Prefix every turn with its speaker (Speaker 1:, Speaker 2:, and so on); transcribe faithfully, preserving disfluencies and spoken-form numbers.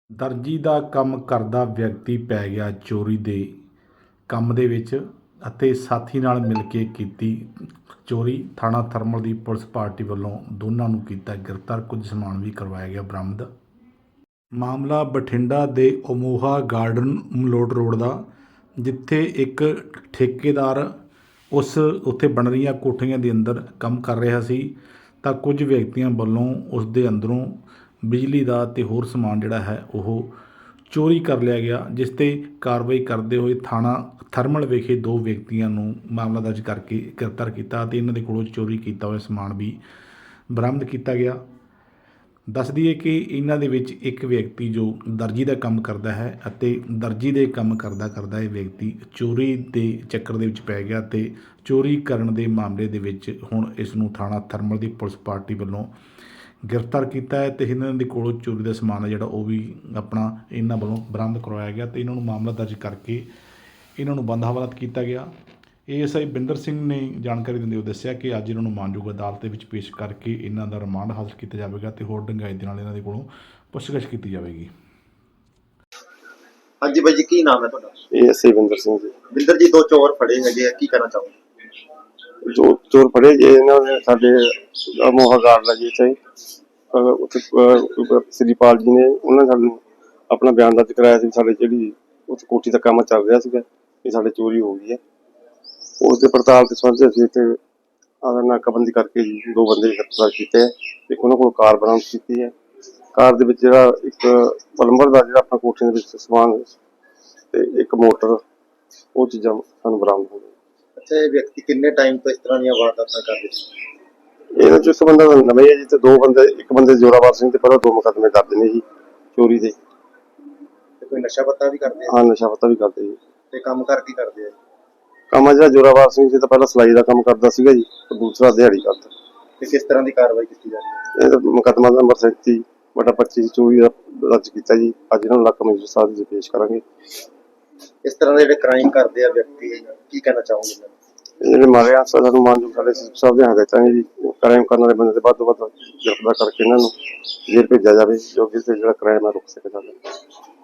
Speaker 1: ਦਰਜੀ ਦਾ ਕੰਮ ਕਰਦਾ ਵਿਅਕਤੀ ਪੈ ਗਿਆ ਚੋਰੀ ਦੇ ਕੰਮ ਦੇ ਵਿੱਚ ਅਤੇ ਸਾਥੀ ਨਾਲ ਮਿਲ ਕੇ ਕੀਤੀ ਚੋਰੀ। ਥਾਣਾ ਥਰਮਲ ਦੀ ਪੁਲਿਸ ਪਾਰਟੀ ਵੱਲੋਂ ਦੋਨਾਂ ਨੂੰ ਕੀਤਾ ਗ੍ਰਿਫਤਾਰ। ਕੁਝ ਸਮਾਨ ਵੀ ਕਰਵਾਇਆ ਗਿਆ ਬਰਾਮਦ। ਮਾਮਲਾ ਬਠਿੰਡਾ ਦੇ ਅਮੋਹਾ ਗਾਰਡਨ ਮਲੋਟ ਰੋਡ ਦਾ, ਜਿੱਥੇ ਇੱਕ ਠੇਕੇਦਾਰ ਉਸ ਉੱਥੇ ਬਣ ਰਹੀਆਂ ਕੋਠੀਆਂ ਦੇ ਅੰਦਰ ਕੰਮ ਕਰ ਰਿਹਾ ਸੀ ਤਾਂ ਕੁਝ ਵਿਅਕਤੀਆਂ ਵੱਲੋਂ ਉਸ ਦੇ ਅੰਦਰੋਂ ਬਿਜਲੀ ਦਾ ਅਤੇ ਹੋਰ ਸਮਾਨ ਜਿਹੜਾ ਹੈ ਉਹ ਚੋਰੀ ਕਰ ਲਿਆ ਗਿਆ, ਜਿਸ 'ਤੇ ਕਾਰਵਾਈ ਕਰਦੇ ਹੋਏ ਥਾਣਾ ਥਰਮਲ ਵਿਖੇ ਦੋ ਵਿਅਕਤੀਆਂ ਨੂੰ ਮਾਮਲਾ ਦਰਜ ਕਰਕੇ ਗ੍ਰਿਫਤਾਰ ਕੀਤਾ ਅਤੇ ਇਹਨਾਂ ਦੇ ਕੋਲੋਂ ਚੋਰੀ ਕੀਤਾ ਹੋਇਆ ਸਮਾਨ ਵੀ ਬਰਾਮਦ ਕੀਤਾ ਗਿਆ। ਦੱਸ ਦਈਏ ਕਿ ਇਹਨਾਂ ਦੇ ਵਿੱਚ ਇੱਕ ਵਿਅਕਤੀ ਜੋ ਦਰਜੀ ਦਾ ਕੰਮ ਕਰਦਾ ਹੈ ਅਤੇ ਦਰਜੀ ਦੇ ਕੰਮ ਕਰਦਾ ਕਰਦਾ ਇਹ ਵਿਅਕਤੀ ਚੋਰੀ ਦੇ ਚੱਕਰ ਦੇ ਵਿੱਚ ਪੈ ਗਿਆ ਅਤੇ ਚੋਰੀ ਕਰਨ ਦੇ ਮਾਮਲੇ ਦੇ ਵਿੱਚ ਹੁਣ ਇਸ ਨੂੰ ਥਾਣਾ ਥਰਮਲ ਦੀ ਪੁਲਿਸ ਪਾਰਟੀ ਵੱਲੋਂ ਗ੍ਰਿਫਤਾਰ ਕੀਤਾ ਹੈ ਅਤੇ ਇਹਨਾਂ ਦੇ ਕੋਲੋਂ ਚੋਰੀ ਦਾ ਸਮਾਨ ਹੈ ਜਿਹੜਾ ਉਹ ਵੀ ਆਪਣਾ ਇਹਨਾਂ ਵੱਲੋਂ ਬਰਾਮਦ ਕਰਵਾਇਆ ਗਿਆ ਅਤੇ ਇਹਨਾਂ ਨੂੰ ਮਾਮਲਾ ਦਰਜ ਕਰਕੇ ਇਹਨਾਂ ਨੂੰ ਬੰਦ ਹਵਾਲਾਤ ਕੀਤਾ ਗਿਆ। A S I Binder Singh ਨੇ ਜਾਣਕਾਰੀ ਦਿੰਦੇ ਹੋਏ ਦੱਸਿਆ ਕਿ ਅੱਜ ਇਹਨਾਂ ਨੂੰ ਮਾਨਯੋਗ ਅਦਾਲਤ ਦੇ ਵਿੱਚ ਪੇਸ਼ ਕਰਕੇ ਇਹਨਾਂ ਦਾ ਰਿਮਾਂਡ ਹਾਸਲ ਕੀਤਾ ਜਾਵੇਗਾ ਅਤੇ ਹੋਰ ਡੂੰਘਾਈ ਦੇ ਨਾਲ ਇਹਨਾਂ ਦੇ ਕੋਲੋਂ ਪੁੱਛਗਿੱਛ ਕੀਤੀ ਜਾਵੇਗੀ।
Speaker 2: ਹਾਂਜੀ ਬਾਈ ਜੀ, ਕੀ ਨਾਮ ਹੈ ਤੁਹਾਡਾ?
Speaker 3: A S I Binder Singh ji.
Speaker 2: Binder ਜੀ, ਦੋ ਚੋਰ ਫੜੇ ਹੈਗੇ ਆ, ਕੀ ਕਹਿਣਾ ਚਾਹੋਗੇ?
Speaker 3: ਦੋ ਚੋਰ ਫੜੇ ਜੇ ਇਹਨਾਂ ਨੇ ਸਾਡੇ ਅਮੋਹਾ ਗਾਰਡ ਲੱਗੇ ਚਾਹੀ ਉੱਥੇ ਸ੍ਰੀਪਾਲ ਜੀ ਨੇ ਉਹਨਾਂ ਨੇ ਸਾਨੂੰ ਆਪਣਾ ਬਿਆਨ ਦਰਜ ਕਰਾਇਆ ਸੀ। ਸਾਡੇ ਜਿਹੜੀ ਉੱਥੇ ਕੋਠੀ ਦਾ ਕੰਮ ਚੱਲ ਰਿਹਾ ਸੀਗਾ, ਇਹ ਸਾਡੇ ਚੋਰੀ ਹੋ ਗਈ ਹੈ। ਉਸ ਦੇ ਪੜਤਾਲ ਦੇ ਸੰਬੰਧ ਅਸੀਂ ਇੱਥੇ ਨਾਕਾਬੰਦੀ ਕਰਕੇ ਜੀ ਦੋ ਬੰਦੇ ਗ੍ਰਿਫਤਾਰ ਕੀਤੇ ਹੈ। ਇੱਕ ਉਹਨਾਂ ਕੋਲ ਕਾਰ ਬਰਾਮਦ ਕੀਤੀ ਹੈ। ਕਾਰ ਦੇ ਵਿੱਚ ਜਿਹੜਾ ਇੱਕ ਪਲੰਬਰ ਦਾ ਜਿਹੜਾ ਆਪਣਾ ਕੋਠੀ ਦੇ ਵਿੱਚ ਸਮਾਨ ਤੇ ਇੱਕ ਮੋਟਰ, ਉਹ ਚੀਜ਼ਾਂ ਸਾਨੂੰ ਬਰਾਮਦ ਹੋ ਗਈਆਂ।
Speaker 2: ਅੱਛਾ, ਇਹ ਵਿਅਕਤੀ ਕਿੰਨੇ ਟਾਈਮ ਤੋਂ ਇਸ ਤਰ੍ਹਾਂ ਦੀਆਂ ਵਾਰਦਾਤਾਂ ਕਰਦੇ ਸੀ?
Speaker 3: ਇਹਨਾਂ ਚੋਂ ਇੱਕ ਬੰਦਾ ਨਵੇਂ ਹੈ ਜੀ ਤੇ ਦੋ ਬੰਦੇ, ਇੱਕ ਬੰਦੇ ਜ਼ੋਰਾਵਰ ਸਿੰਘ ਤੇ ਪਹਿਲਾਂ ਦੋ ਮੁਕੱਦਮੇ ਦਰਜ ਨੇ ਜੀ ਚੋਰੀ ਦੇ।
Speaker 2: ਤੇ ਕੋਈ ਨਸ਼ਾ ਪੱਤਾ ਵੀ ਕਰਦੇ ਆ?
Speaker 3: ਹਾਂ, ਨਸ਼ਾ ਪੱਤਾ ਵੀ ਕਰਦੇ ਜੀ।
Speaker 2: ਤੇ ਕੰਮ ਕਰ ਕੀ ਕਰਦੇ ਆ?
Speaker 3: ਕੰਮ ਜਿਹੜਾ ਜ਼ੋਰਾਵਰ ਸਿੰਘ ਜੀ ਤਾਂ ਪਹਿਲਾਂ ਸਿਲਾਈ ਦਾ ਕੰਮ ਕਰਦਾ ਸੀਗਾ ਜੀ, ਤੇ ਦੂਸਰਾ ਦਿਹਾੜੀ ਕਰਦਾ।
Speaker 2: ਤੇ ਕਿਸ ਤਰ੍ਹਾਂ ਦੀ ਕਾਰਵਾਈ ਕੀਤੀ ਜਾ ਰਹੀ ਹੈ?
Speaker 3: ਇਹ ਮੁਕੱਦਮਾ ਨੰਬਰ ਸੈਂਤੀ ਬਟਾ ਪੱਚੀ ਚੋਰੀ ਦਾ ਦਰਜ ਕੀਤਾ ਜੀ। ਅੱਜ ਇਹਨਾਂ ਨੂੰ ਲੱਖ ਮੈਜਿਸਟਰੇਟ ਸਾਹਿਬ ਜੀ ਪੇਸ਼ ਕਰਾਂਗੇ।
Speaker 2: ਇਸ ਤਰ੍ਹਾਂ ਦੇ ਜਿਹੜੇ ਕ੍ਰਾਈਮ ਕਰਦੇ ਆ ਵਿਅਕਤੀ, ਕੀ ਕਹਿਣਾ ਚਾਹੋਗੇ?
Speaker 3: ਜਿਹੜੇ ਮਾਰੇ ਆ ਸਾਨੂੰ ਮਾਨਯੋਗ ਸਾਡੇ ਸਾਹਿਬ ਦੇ ਹਦਾਇਤਾਂ ਨੇ ਜੀ, ਕ੍ਰਾਈਮ ਕਰਨ ਵਾਲੇ ਬੰਦੇ ਦੇ ਵੱਧ ਤੋਂ ਵੱਧ ਗ੍ਰਿਫਤਾਰ ਕਰਕੇ ਇਹਨਾਂ ਨੂੰ ਜੇਲ੍ਹ ਭੇਜਿਆ ਜਾਵੇ, ਜੋ ਕਿ ਜਿਹੜਾ ਕ੍ਰਾਈਮ ਹੈ ਰੁਕ ਸਕੇ।